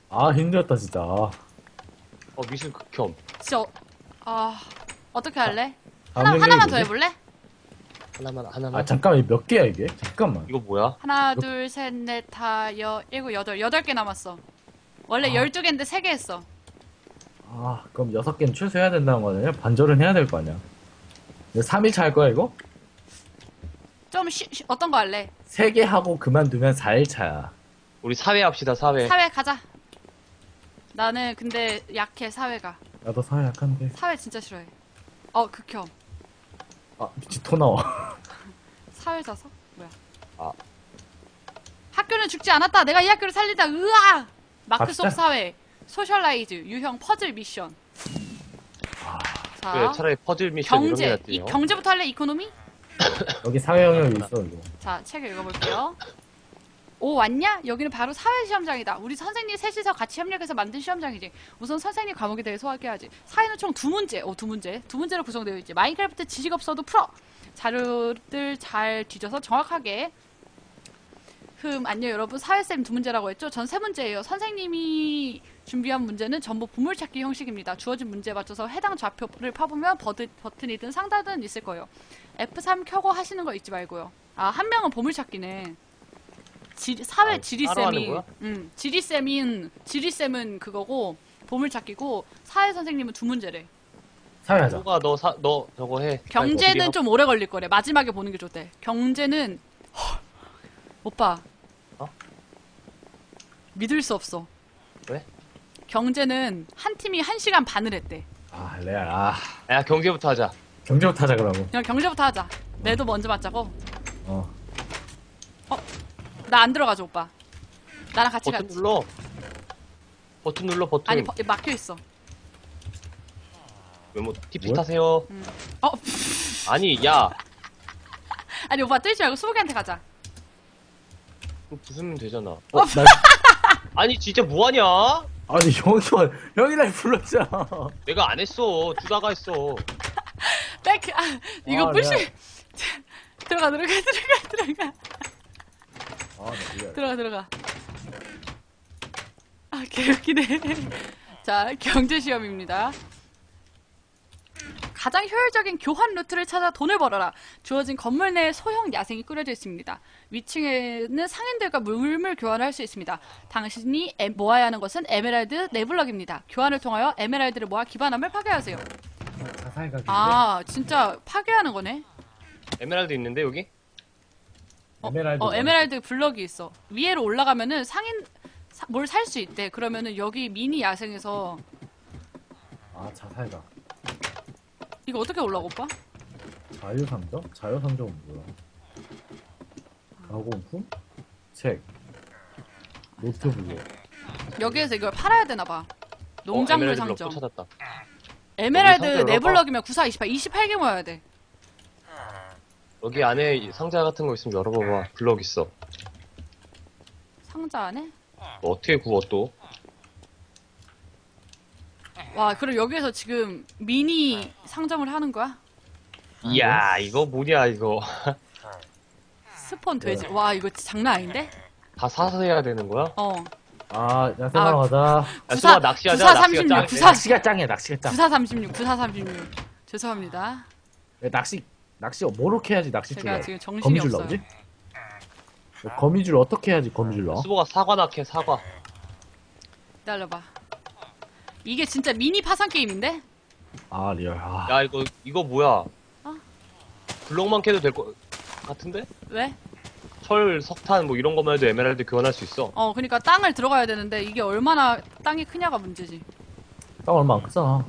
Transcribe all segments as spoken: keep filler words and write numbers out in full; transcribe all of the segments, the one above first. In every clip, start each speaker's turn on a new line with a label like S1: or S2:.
S1: 아, 힘들었다, 진짜. 아,
S2: 어, 미술 극혐.
S3: 진짜, 어, 아, 어떻게 할래?
S1: 다음
S3: 하나,
S1: 능력이
S3: 하나만 더
S1: 뭐지?
S3: 해볼래?
S2: 하나만,
S1: 아,
S2: 하나만.
S1: 잠깐만, 몇 개야, 이게? 잠깐만.
S2: 이거 뭐야?
S3: 하나, 둘, 셋, 넷, 다, 여, 일곱, 여덟, 여덟 개 남았어. 원래
S1: 아.
S3: 열두 개인데 세 개 했어.
S1: 아, 그럼 여섯 개는 취소해야 된다는 거네. 반절은 해야 될 거 아니야. 삼 일 차 할 거야, 이거?
S3: 좀 쉬, 쉬- 어떤 거 할래?
S1: 세 개 하고 그만두면 사 일 차야.
S2: 우리 사회 합시다, 사회.
S3: 사회 가자. 나는 근데 약해, 사회가.
S1: 나도 사회 약한데.
S3: 사회 진짜 싫어해. 어, 극혐.
S1: 아, 미치 토 나와.
S3: 사회 자석? 뭐야?
S2: 아.
S3: 학교는 죽지 않았다. 내가 이 학교를 살린다. 으아! 마크
S1: 갑시다.
S3: 속 사회. 소셜라이즈. 유형 퍼즐 미션. 자,
S2: 그래, 차라리 퍼즐 미션
S3: 경제.
S2: 이런 게
S3: 이,
S2: 낫대요.
S3: 경제부터 할래? 이코노미?
S1: 여기 사회 영역이 있어, 이거.
S3: 자, 책을 읽어볼게요. 오, 왔냐? 여기는 바로 사회시험장이다. 우리 선생님 셋이서 같이 협력해서 만든 시험장이지. 우선 선생님 과목에 대해 소개해야지. 사회는 총 두 문제, 오, 두 문제. 두 문제로 구성되어 있지. 마인크래프트 지식 없어도 풀어! 자료들 잘 뒤져서 정확하게. 흠, 안녕 여러분. 사회쌤 두 문제라고 했죠? 전 세 문제예요. 선생님이 준비한 문제는 전부 보물찾기 형식입니다. 주어진 문제에 맞춰서 해당 좌표를 파보면 버드, 버튼이든 상단은 있을 거예요. 에프 삼 켜고 하시는 거 잊지 말고요. 아, 한 명은 보물찾기네. 지, 사회
S2: 아, 따로 하는
S3: 지리쌤이,
S2: 거야?
S3: 음, 지리쌤인, 지리쌤은 그거고, 보물찾기고, 사회 선생님은 두 문제래.
S1: 사회 하자.
S2: 누가 너 사, 너 저거 해.
S3: 경제는
S2: 어떻게
S3: 좀 오래 걸릴 거래. 마지막에 보는 게 좋대. 경제는, 헐, 오빠.
S2: 어?
S3: 믿을 수 없어.
S2: 왜?
S3: 경제는 한 팀이 한 시간 반을 했대.
S1: 아, 레알. 아,
S2: 하- 야, 경제부터 하자.
S1: 경제부터 하자, 그러고.
S3: 그냥 경제부터 하자. 매도 먼저 맞자고.
S1: 어.
S3: 나 안 들어가죠, 오빠. 나랑 같이
S2: 버튼
S3: 가지.
S2: 눌러. 버튼 눌러, 버튼.
S3: 아니, 버- 막혀 있어.
S2: 메모, 티피
S1: 뭐야?
S2: 타세요.
S3: 어,
S2: 아니, 야.
S3: 아니, 오빠 뜰지 말고 수복이한테 가자.
S2: 그거 부수면 되잖아.
S1: 어, 나,
S2: 아니, 진짜 뭐하냐?
S1: 아니, 형이, 형이 날 불렀잖아.
S2: 내가 안 했어. 두다가 했어.
S3: 백, 아, 이거
S1: 아,
S3: 뿌시.
S1: 레알.
S3: 들어가, 들어가, 들어가, 들어가.
S1: 아, 나 레알.
S3: 들어가, 들어가. 아, 개웃기네. 자, 경제시험입니다. 가장 효율적인 교환 루트를 찾아 돈을 벌어라. 주어진 건물 내에 소형 야생이 꾸려져 있습니다. 위층에는 상인들과 물물 교환을 할 수 있습니다. 당신이 에- 모아야 하는 것은 에메랄드 네블럭입니다. 교환을 통하여 에메랄드를 모아 기반함을 파괴하세요.
S1: 자살 가기.
S3: 아, 진짜 파괴하는 거네.
S2: 에메랄드 있는데, 여기?
S1: 에메랄드.
S3: 어, 에메랄드 블럭이 있어. 위에로 올라가면은 상인 뭘 살 수 있대. 그러면은 여기 미니 야생에서
S1: 아, 자살가.
S3: 이거 어떻게 올라가, 오빠?
S1: 자유상점? 자유상점은 뭐야? 가공품? 책. 노트북.
S3: 여기에서 이걸 팔아야 되나 봐. 농작물
S2: 어, 에메랄드 블럭
S3: 상점.
S2: 또 찾았다.
S3: 에메랄드
S2: 여기 상자
S3: 네
S2: 열어봐.
S3: 블럭이면 구사 이십팔, 이십팔 개 모아야 돼.
S2: 여기 안에 이 상자 같은 거 있으면 열어봐봐. 블럭 있어.
S3: 상자 안에?
S2: 너 어떻게 구워, 또?
S3: 와, 그럼 여기에서 지금 미니 상점을 하는 거야?
S2: 이야, 이거 뭐냐, 이거.
S3: 스폰 돼지. 와, 이거 진짜 장난 아닌데?
S2: 다 사서 해야 되는 거야?
S3: 어.
S1: 아, 야생하러 가자.
S2: 야,
S3: 구사-
S2: 수아, 낚시하자.
S3: 구사
S2: 낚시가
S3: 삼십육,
S2: 짱.
S3: 구사-
S1: 낚시가 짱이야, 낚시가 짱.
S3: 구사 삼십육, 구사 삼십육. 죄송합니다.
S1: 야, 낚시, 낚시 뭐로 해야지 낚시줄
S3: 제가
S1: 나와?
S3: 지금 정신이
S1: 거미줄
S3: 없어요.
S1: 나오지? 거미줄 어떻게 해야지 거미줄 나와?
S2: 수보가 사과 낙해, 사과.
S3: 기다려봐. 이게 진짜 미니 파산 게임인데?
S1: 아, 리얼. 아,
S2: 야, 이거, 이거 뭐야?
S3: 어?
S2: 블럭만 캐도 될 거, 같은데?
S3: 왜?
S2: 철, 석탄, 뭐 이런 거만 해도 에메랄드 교환할 수 있어.
S3: 어, 그러니까 땅을 들어가야 되는데 이게 얼마나 땅이 크냐가 문제지.
S1: 땅 얼마 안 크잖아.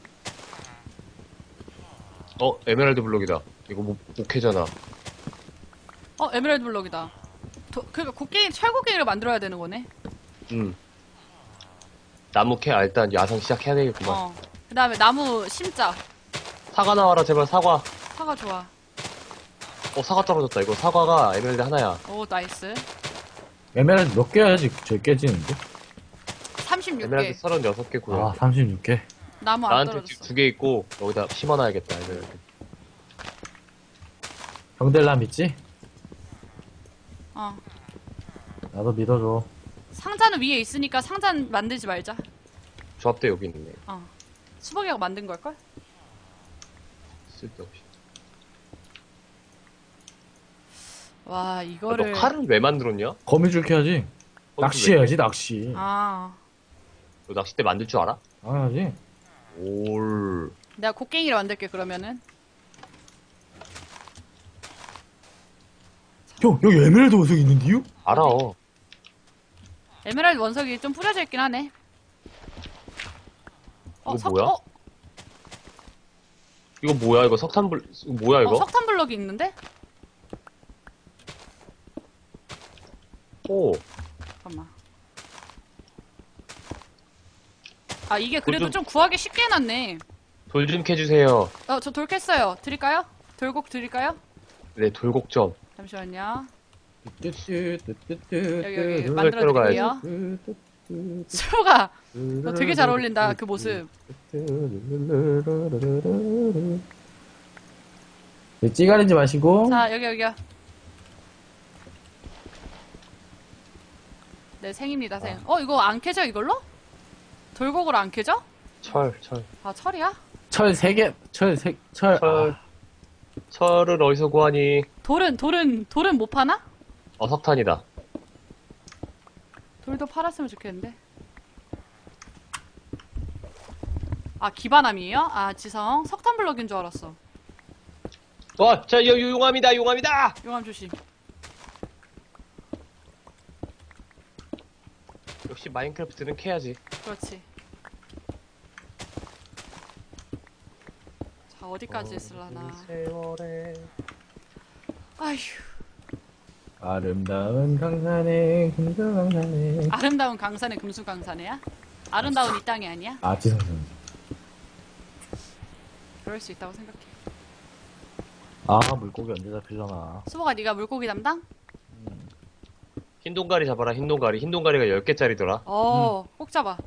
S2: 어, 에메랄드 블럭이다. 이거 못, 못 캐잖아.
S3: 어, 에메랄드 블럭이다. 도, 그러니까 곡괭이, 철곡괭이를 만들어야 되는 거네.
S2: 음. 나무 캐, 아, 일단 야생 시작해야 되겠구만.
S3: 어. 그 다음에 나무 심자.
S2: 사과 나와라, 제발, 사과.
S3: 사과 좋아.
S2: 어, 사과 떨어졌다. 이거 사과가 에메랄드 하나야.
S3: 오, 나이스.
S1: 에메랄드 몇 개 해야지 저 깨지는데?
S3: 삼십육 개.
S2: 에메랄드 서른여섯 개 구해.
S1: 아, 삼십육 개.
S3: 나무 안
S2: 나한테
S3: 떨어졌어.
S2: 두 개 있고, 여기다 심어놔야겠다, 에메랄드.
S1: 형들라 믿지?
S3: 어.
S1: 나도 믿어줘.
S3: 상자는 위에 있으니까 상자는 만들지 말자.
S2: 조합대 여기 있네.
S3: 어. 수박이가 만든 걸걸?
S2: 쓸데없이.
S3: 와,
S2: 아,
S3: 이거를.
S2: 너 칼은 왜 만들었냐?
S1: 거미줄 캐야지. 낚시해야지, 낚시.
S3: 아.
S2: 너 낚싯대 만들 줄 알아?
S1: 당연하지.
S2: 올.
S3: 내가 곡괭이를 만들게, 그러면은.
S1: 형, 여기 에메랄드 원석이 있는데요?
S2: 알아.
S3: 에메랄드 원석이 좀 뿌려져 있긴 하네.
S2: 이거
S3: 석-
S2: 뭐야?
S3: 어,
S2: 이거 뭐야? 이거 석탄불, 이거 뭐야, 이거?
S3: 어, 석탄 블럭이 있는데?
S2: 오.
S3: 잠깐만. 아, 이게 그래도
S2: 좀-
S3: 좀 구하기 쉽게 해놨네.
S2: 돌 좀 캐주세요.
S3: 어, 저 돌 캤어요. 드릴까요? 돌곡 드릴까요?
S2: 네, 돌곡 좀.
S3: 잠시만요.
S1: 여기,
S3: 여기
S2: 음,
S3: 만들어
S2: 들어가야지.
S3: 드릴게요. 수로가 너 되게 잘 어울린다, 그 모습.
S1: 찌가리지 마시고.
S3: 자, 여기, 여기요. 네, 생입니다, 생. 어, 이거 안 캐져, 이걸로? 돌곡으로 안 캐져?
S2: 철, 철.
S3: 아, 철이야?
S1: 철 세 개, 철 세, 철.
S2: 철.
S1: 아,
S2: 철을 어디서 구하니?
S3: 돌은, 돌은, 돌은 못 파나?
S2: 어, 석탄이다.
S3: 돌도 팔았으면 좋겠는데. 아, 기반함이에요? 아, 지성. 석탄 블럭인 줄 알았어.
S2: 어, 자, 여, 요- 용암이다, 용암이다!
S3: 용암 조심.
S2: 역시 마인크래프트는 캐야지.
S3: 그렇지. 자, 어디까지 했을라나.
S2: 세월에.
S3: 아휴.
S1: 아름다운 강산에, 금수강산에.
S3: 아름다운 강산의 금수강산이야? 아름다운 이 땅이 아니야?
S1: 아, 지성선.
S3: 그럴 수 있다고 생각해.
S1: 아, 물고기 언제 잡히려나.
S3: 수보가 네가 물고기 담당?
S2: 흰 동가리 잡아라, 흰 동가리. 흰 동가리가 열 개짜리더라.
S3: 어, 꼭 잡아.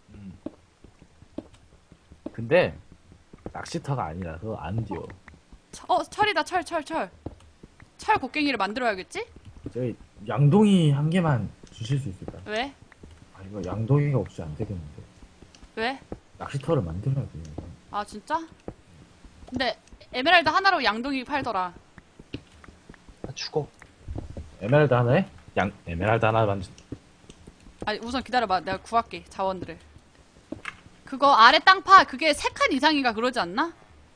S1: 근데, 낚시터가 아니라서 안 뛰어.
S3: 처- 어, 철이다, 철, 철, 철. 철 곡괭이를 만들어야겠지?
S1: 저희, 양동이 한 개만 주실 수 있을까요?
S3: 왜?
S1: 아, 이거 양동이가 없이 안 되겠는데.
S3: 왜? 낚시터를
S1: 낚시터를 만들어야 돼요. 이거.
S3: 아, 진짜? 근데 에메랄드 하나로 양동이 팔더라.
S2: 아, 죽어.
S1: 에메랄드 하나에? 양, 에메랄드 하나 만들,
S3: 아니, 우선 기다려봐. 내가 구할게, 자원들을. 그거 아래 땅 파. 그게 세 칸 이상인가 그러지 않나?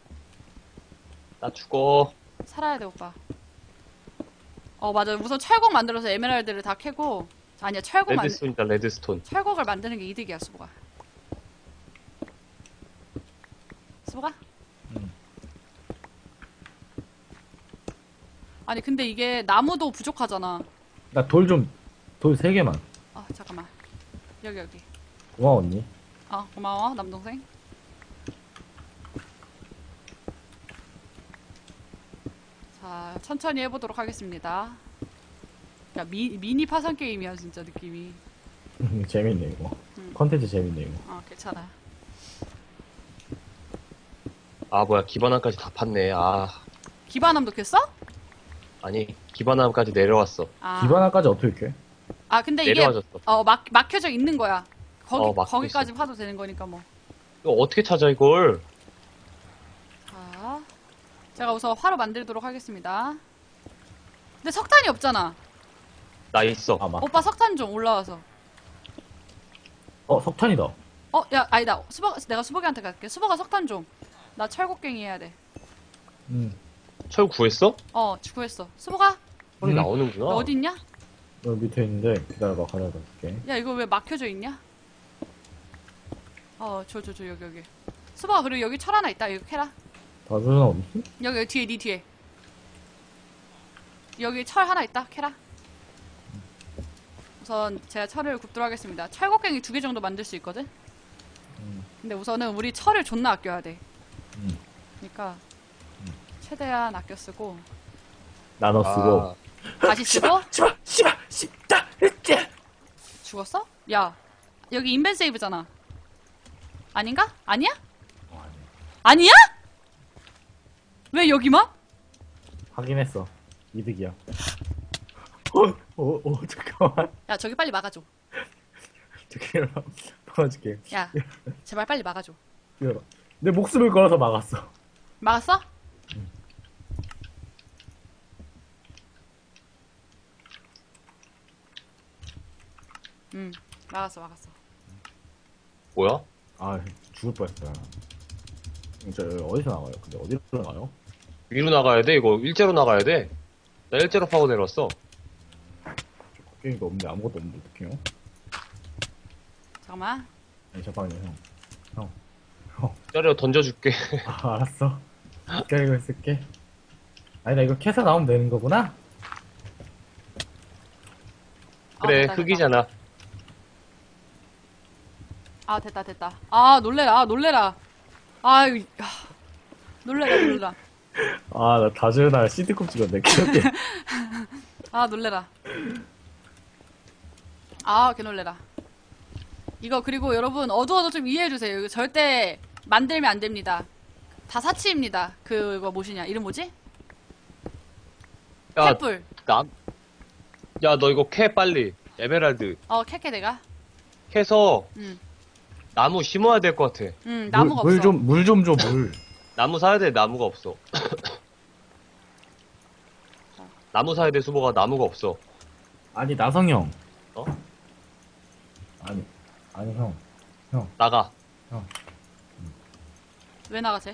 S2: 나 죽어.
S3: 살아야 돼, 오빠. 어, 맞아. 우선 철곡 만들어서 에메랄드를 다 캐고. 아니야, 철곡 만
S2: 레드스톤이다, 레드스톤.
S3: 철곡을 만드는 게 이득이야, 수보가. 수보가?
S1: 응.
S3: 아니, 근데 이게 나무도 부족하잖아.
S1: 나 돌 좀, 돌 세 개만.
S3: 아, 잠깐만. 여기, 여기.
S1: 고마워, 언니.
S3: 어, 고마워, 남동생. 자, 천천히 해보도록 하겠습니다. 야, 미, 미니 파산 게임이야, 진짜 느낌이.
S1: 재밌네, 이거.
S3: 응.
S1: 컨텐츠 재밌네, 이거.
S3: 어, 괜찮아.
S2: 아, 뭐야, 기반함까지 다 팠네. 아,
S3: 기반함도 캤어?
S2: 아니, 기반함까지 내려왔어.
S3: 아.
S1: 기반화까지 어떻게 해?
S3: 아, 근데 이게,
S2: 내려와졌어.
S3: 어, 막, 막혀져 있는 거야. 거기,
S2: 어, 막혀
S3: 거기까지 파도 되는 거니까 뭐.
S2: 이거 어떻게 찾아, 이걸?
S3: 자, 제가 우선 화로 만들도록 하겠습니다. 근데 석탄이 없잖아.
S2: 나 있어.
S1: 아, 막.
S3: 오빠 석탄 좀 올라와서.
S1: 어, 석탄이다.
S3: 어, 야, 아니다. 수박, 내가 수박이한테 갈게. 수박아 석탄 좀. 나 철곡갱이 해야 돼.
S1: 응.
S2: 철 구했어?
S3: 어, 구했어. 수박아,
S2: 철이
S1: 음.
S2: 나오는구나.
S3: 너 어디 있냐?
S1: 여기 밑에 있는데, 기다려봐, 가져다 줄게.
S3: 야, 이거 왜 막혀져 있냐? 어, 저, 저, 저, 여기, 여기. 수박아, 그리고 여기 철 하나 있다. 이거 캐라.
S1: 다주는 어딨지?
S3: 여기, 여기 뒤에, 니 뒤에. 여기 철 하나 있다. 캐라. 우선 제가 철을 굽도록 하겠습니다. 철곡갱이 두 개 정도 만들 수 있거든?
S1: 음.
S3: 근데 우선은 우리 철을 존나 아껴야 돼.
S1: 음.
S3: 그러니까 최대한 아껴 쓰고
S1: 나눠 쓰고.
S2: 아,
S3: 다시 쓰고
S1: 씨발, 씨발, 씨발, 으쌰!
S3: 죽었어? 야, 여기 인벤 세이브잖아. 아닌가? 아니야?
S1: 어, 아니.
S3: 아니야? 왜 여기만?
S1: 확인했어. 이득이야. 어, 어, 어, 잠깐만.
S3: 야, 저기 빨리 막아줘.
S1: 저기 막아줄게.
S3: 야, 제발 빨리 막아줘.
S1: 기다려. 내 목숨을 걸어서 막았어.
S3: 막았어? 응, 막았어, 막았어.
S2: 뭐야?
S1: 아 죽을 뻔했다. 저 어디서 나가요? 근데 어디로 나가요?
S2: 위로 나가야 돼? 이거 일제로 나가야 돼? 나 일제로 파고 내려왔어.
S1: 게임도 없는데 아무것도 없는데 어떡해요?
S3: 잠깐만.
S1: 아니 잠깐만요 형.
S2: 짜려 던져줄게.
S1: 아 알았어. 기다리고 있을게. 아니 나 이거 캐서 나오면 되는 거구나?
S3: 아,
S2: 그래,
S3: 됐다, 됐다.
S2: 흙이잖아.
S3: 아, 됐다, 됐다. 아, 놀래라, 아, 놀래라. 아유, 야. 놀래라, 놀래라.
S1: 아 나 다주날 시드컵 찍었네. 기억해.
S3: 아, 놀래라. 아, 개 놀래라. 이거, 그리고 여러분, 어두워도 좀 이해해주세요. 이거 절대 만들면 안 됩니다. 다 사치입니다. 그, 이거 뭐시냐. 이름 뭐지?
S2: 야,
S3: 횃불.
S2: 나, 야, 너 이거 캐, 빨리. 에메랄드.
S3: 어, 캐캐 내가.
S2: 캐서
S3: 응,
S2: 나무 심어야 될 것 같아.
S3: 응, 나무가
S1: 물
S3: 없어.
S1: 좀 물 좀 줘 물.
S2: 나무 사야 돼, 나무가 없어. 나무 사야 돼, 수보가. 나무가 없어.
S1: 아니 나성 형.
S2: 어?
S1: 아니 아니 형.
S2: 나가.
S3: 왜 나가지?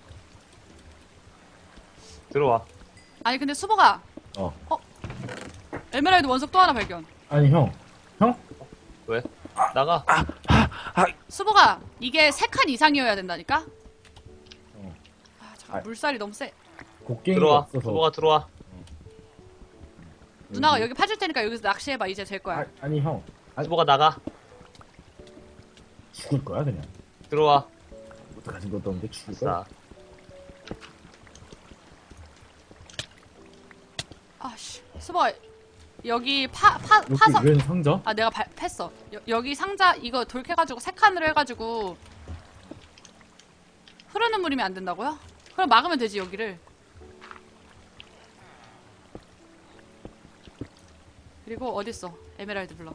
S2: 들어와.
S3: 아니, 근데 수보가,
S1: 어.
S3: 에메랄드 원석 또 하나 발견.
S1: 아니 형. 형?
S2: 왜? 나가.
S3: 수보가, 이게 세 칸 이상이어야 된다니까?
S1: 어.
S3: 아, 잠깐,
S1: 아.
S3: 물살이 너무 세.
S1: 곡괭이가
S2: 들어와.
S1: 없어서.
S2: 수보가 들어와.
S3: 누나가 여기 파줄 테니까 여기서 낚시해봐. 이제 될 거야.
S1: 아, 아니 형. 아니,
S2: 수보가 나가.
S1: 죽을 거야 그냥.
S2: 들어와.
S1: 아무것도 가진 것도 없는데 죽을 거야.
S2: 자.
S3: 아씨, 수보가, 여기 파, 파,
S1: 여기
S3: 파서.
S1: 웬 상자?
S3: 아, 내가 발, 팼어. 여, 여기 상자, 이거 돌캐가지고 세 칸으로 해가지고. 흐르는 물이면 안 된다고요? 그럼 막으면 되지, 여기를. 그리고 어딨어? 에메랄드 블럭.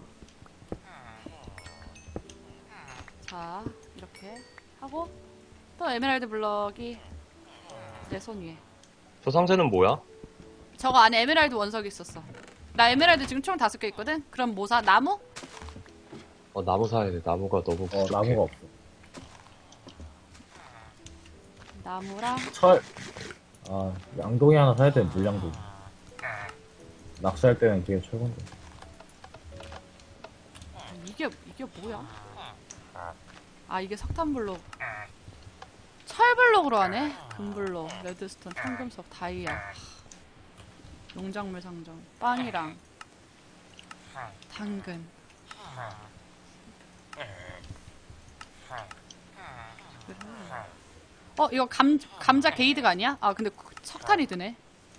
S3: 자, 이렇게 하고 또 에메랄드 블럭이 내 손 위에.
S2: 저 상자는 뭐야?
S3: 저거 안에 에메랄드 원석이 있었어. 나 에메랄드 지금 총 다섯 개 있거든? 그럼 뭐 사? 나무?
S2: 어, 나무 사야 돼. 나무가 너무
S1: 어
S2: 부족해.
S1: 나무가 없어.
S3: 나무랑
S1: 철. 아 양동이 하나 사야 돼. 물양동. 낚시할 때는 되게 최고인데.
S3: 이게 이게 뭐야? 아, 이게 석탄 블록. 철 블록으로 하네. 금 블록, 레드스톤, 황금석, 다이아. 농작물 상점, 빵이랑 당근. 어, 이거 감 감자 게이드가 아니야? 아, 근데 석탄이 드네.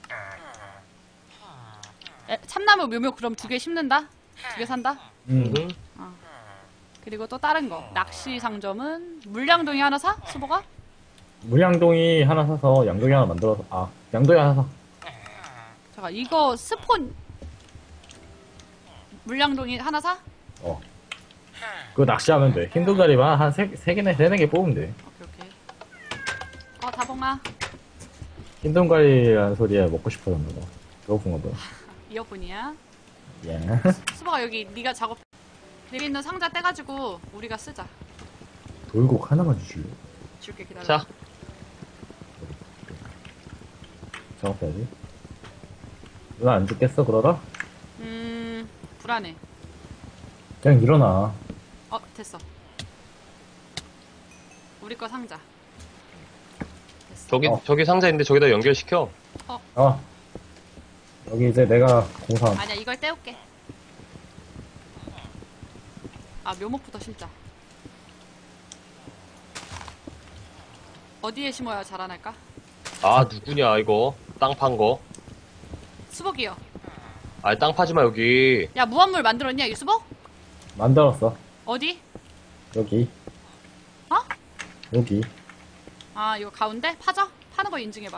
S3: 에, 참나무 묘묘 그럼 두 개 심는다? 두 개 산다?
S1: 음.
S2: 응.
S3: 그리고 또 다른 거. 낚시 상점은 물량동이 하나 사? 수보가?
S1: 물양동이 하나 사서 양동이 하나 만들어서 아 양동이 하나 사.
S3: 잠깐, 이거 스폰 물량동이 하나 사?
S1: 어. 그거 낚시하면 돼. 힘든 자리만 한 세, 세 개나 세네 개 뽑으면 돼.
S3: 오케이, 오케이. 어, 다봉아.
S1: 힘든 가리라는 소리에 먹고 싶어졌나 봐. 배고픈가 봐.
S3: 이어폰이야.
S1: 예.
S3: 수보가 여기 네가 작업 여기 있는 상자 떼가지고 우리가 쓰자.
S1: 돌곡 하나만 주실래?
S3: 줄게, 기다려.
S2: 자,
S1: 작업해야지. 누나 안 죽겠어 그러다?
S3: 음, 불안해.
S1: 그냥 일어나.
S3: 어, 됐어. 우리 거 상자. 됐어.
S2: 저기,
S1: 어.
S2: 저기 상자 있는데 저기다 연결시켜.
S1: 어. 여기 이제 내가 공사한.
S3: 아니야, 이걸 떼올게. 아, 묘목부터 심자. 어디에 심어야 자라날까?
S2: 아, 누구냐, 이거. 땅 판 거.
S3: 수복이요.
S2: 아, 땅 파지 마, 여기.
S3: 야, 무한물 만들었냐, 이 수복?
S1: 만들었어.
S3: 어디?
S1: 여기.
S3: 어?
S1: 여기.
S3: 아, 이거 가운데? 파져? 파는 거 인증해봐.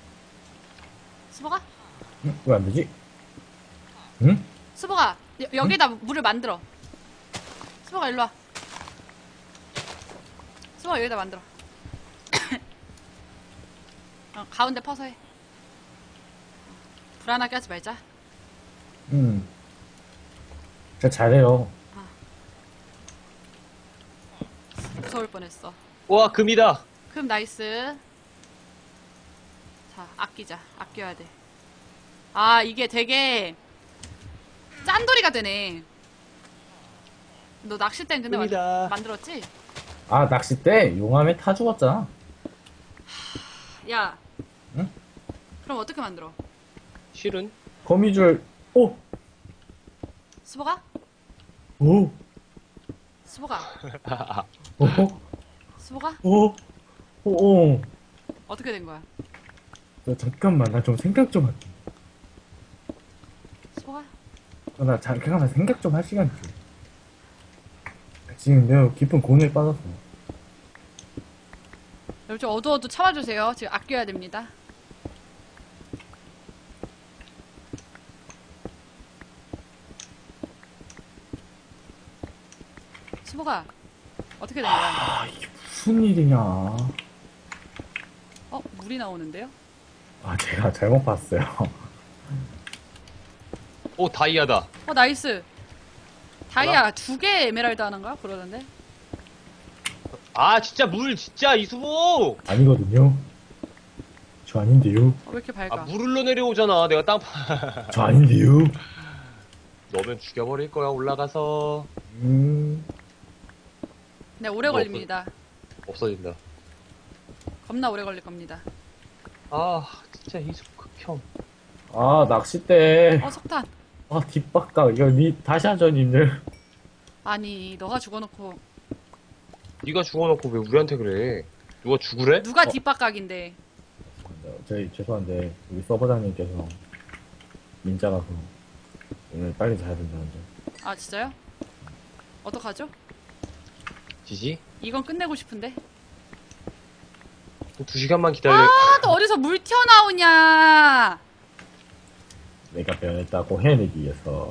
S3: 수복아?
S1: 응? 왜 안 되지? 응?
S3: 수복아, 여, 여기다 물을 만들어. 수박아, 일로 와. 수박아, 여기다 만들어. 어, 가운데 퍼서 해. 불안하게 하지 말자.
S1: 음. 진짜 잘해요.
S3: 무서울 뻔했어.
S2: 와, 금이다.
S3: 그럼 나이스. 자, 아끼자. 아껴야 돼. 아, 이게 되게 짠돌이가 되네. 너 낚싯대는 근데 만,
S2: 금이다.
S3: 만들었지?
S1: 아, 낚싯대 용암에 타 죽었잖아.
S3: 야.
S1: 응?
S3: 그럼 어떻게 만들어?
S2: 실은?
S1: 거미줄, 오!
S3: 수보가?
S1: 오!
S3: 수보가?
S1: 오!
S3: 수보가?
S1: 오! 오! 오!
S3: 어떻게 된 거야?
S1: 너 잠깐만, 나 좀 생각 좀 할게.
S3: 수보가?
S1: 어, 나 잠깐만 생각 좀 할 시간 줘. 지금 내가 깊은 고뇌에 빠졌어.
S3: 여러분 좀 어두워도 참아주세요. 지금 아껴야 됩니다. 수보가 어떻게 된 거야?
S1: 아, 이게 무슨 일이냐.
S3: 어? 물이 나오는데요?
S1: 아, 제가 잘못 봤어요.
S2: 오, 다이아다.
S3: 어 나이스. 다이아 두 개 에메랄드 하는가? 그러던데.
S2: 아, 진짜 물, 진짜, 이수보!
S1: 아니거든요. 저 아닌데요.
S3: 어, 왜 이렇게 밝아?
S2: 아, 물 흘러 내려오잖아. 내가 땅 파.
S1: 저 아닌데요.
S2: 너면 죽여버릴 거야, 올라가서.
S1: 음,
S3: 네, 오래
S2: 뭐
S3: 걸립니다.
S2: 없어진다.
S3: 겁나 오래 걸릴 겁니다.
S2: 아, 진짜 이수보 극혐.
S1: 아, 낚싯대.
S3: 어, 석탄.
S1: 아, 뒷박각. 이거 니, 다시 하죠, 님들.
S3: 아니, 너가 죽어놓고
S2: 네가 죽어놓고 왜 우리한테 그래? 누가 죽으래?
S3: 누가
S1: 어.
S3: 뒷박각인데.
S1: 저희, 죄송한데, 우리 서버장님께서 민자라서 오늘 빨리 자야 된다는데.
S3: 아, 진짜요? 어떡하죠?
S2: 지지?
S3: 이건 끝내고 싶은데.
S2: 두 시간만 기다려.
S3: 아, 또 어디서 물 튀어나오냐!
S1: 내가 변했다고 해내기 위해서.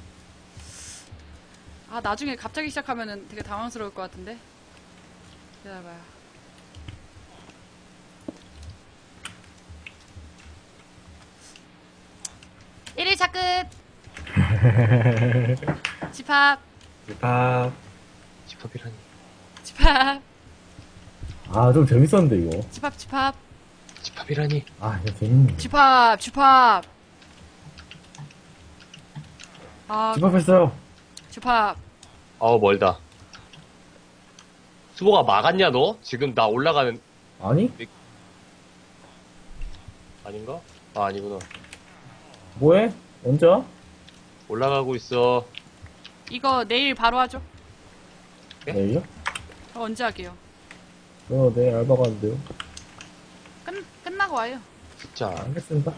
S3: 아, 나중에 갑자기 시작하면은 되게 당황스러울 것 같은데. 기다려봐요. 일 일차 끝! 집합,
S1: 아,
S2: 집합이라니.
S3: 집합,
S1: 아, 좀 재밌었는데, 이거.
S3: 집합, 집합,
S2: 집합이라니.
S1: 아, 이거 재밌네.
S3: 집합, 집합. 아,
S1: 집합했어요.
S3: 집합.
S2: 아우, 멀다. 수보가 막았냐, 너? 지금 나 올라가는,
S1: 아니?
S2: 아닌가? 아, 아니구나.
S1: 뭐해? 언제 와?
S2: 올라가고 있어.
S3: 이거 내일 바로 하죠?
S2: 네?
S1: 내일요?
S3: 저 언제 할게요?
S1: 저 내일 알바 가는데요.
S3: 끝, 끝나고 와요.
S2: 진짜.
S1: 알겠습니다.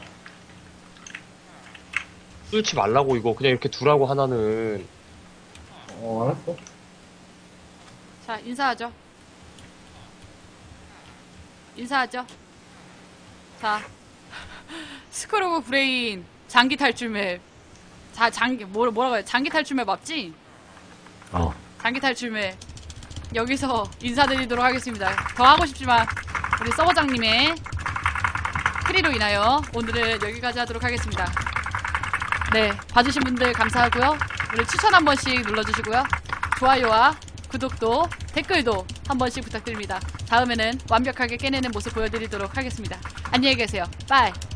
S2: 뚫지 말라고, 이거. 그냥 이렇게 두라고, 하나는.
S1: 어, 알았어.
S3: 자, 인사하죠. 인사하죠. 자, 스크로브 브레인 장기 탈출 맵. 자, 장기 뭐 뭐라고 해? 장기 탈출 맵 맞지?
S1: 어.
S3: 장기 탈출 맵. 여기서 인사드리도록 하겠습니다. 더 하고 싶지만 우리 서버장님의 크리로 인하여 오늘은 여기까지 하도록 하겠습니다. 네, 봐주신 분들 감사하고요. 우리 추천 한 번씩 눌러주시고요. 좋아요와 구독도 댓글도 한 번씩 부탁드립니다. 다음에는 완벽하게 깨내는 모습 보여드리도록 하겠습니다. 안녕히 계세요. 빠이.